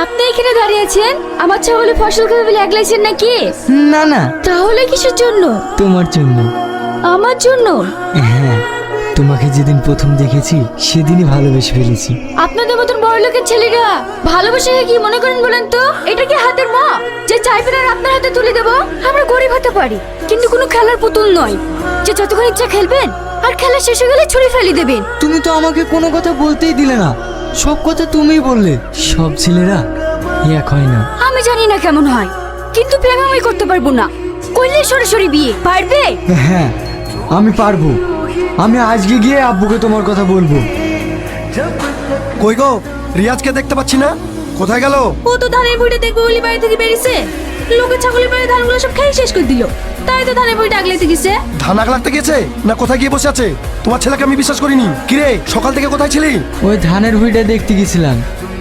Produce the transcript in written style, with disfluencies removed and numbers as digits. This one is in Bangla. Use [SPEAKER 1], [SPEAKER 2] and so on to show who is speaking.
[SPEAKER 1] আপনি এখানে দাঁড়িয়ে আছেন? আমার ছাগলে ফসল খাবে বলে একলাইছেন নাকি?
[SPEAKER 2] না না,
[SPEAKER 1] তাহলে কিসের জন্য?
[SPEAKER 2] তোমার জন্য।
[SPEAKER 1] আমার জন্য?
[SPEAKER 2] হ্যাঁ, তোমাকে যেদিন প্রথম দেখেছি সেদিনই ভালোবেসে ফেলেছি।
[SPEAKER 1] আপনাদের মতন বড় লোকের ছেলেরা ভালোবাসে কি মনে করেন বলেন তো? এটা কি হাতের মা যে চাইবেন আর আপনার হাতে তুলে দেবো? আমরা গরিব হতে পারি কিন্তু কোনো খেলার পুতুল নয় যে যতক্ষণ ইচ্ছা খেলবেন আর খেলা শেষ হয়ে গেলে ছুরি ফেলে দেবেন।
[SPEAKER 2] তুমি তো আমাকে কোনো কথা বলতেই দিলে না, সব কথা তুমিই বললে। সব ছেলেরা এক হয় না।
[SPEAKER 1] আমি জানি না কেমন হয়, কিন্তু প্রেম আমি করতে পারবো না। করলে সরাসরি বিয়ে পারবে?
[SPEAKER 2] হ্যাঁ, আমি পারবো। আমি আজকে গিয়ে আব্বুকে তোমার কথা বলবো।
[SPEAKER 3] কই গো, রিয়াজকে দেখতে পাচ্ছি না, কোথায় গেল?
[SPEAKER 1] ও তো ধানের বইটা দেখবে বলি বাড়ি থেকে বেরিয়েছে। লোকের ছাগলের বাড়ি ধানগুলো সব খেয়ে শেষ করে দিল, তাই তো ধানের বইটা আগলাইতে গেছে।
[SPEAKER 3] ধান আগলাতে গেছে না কোথায় গিয়ে বসে আছে? তোমার ছেলেকে আমি বিশ্বাস করিনি। কিরে, সকাল থেকে কোথায় ছিলি?
[SPEAKER 2] ওই ধানের ভুঁইটা দেখতে গেছিলাম,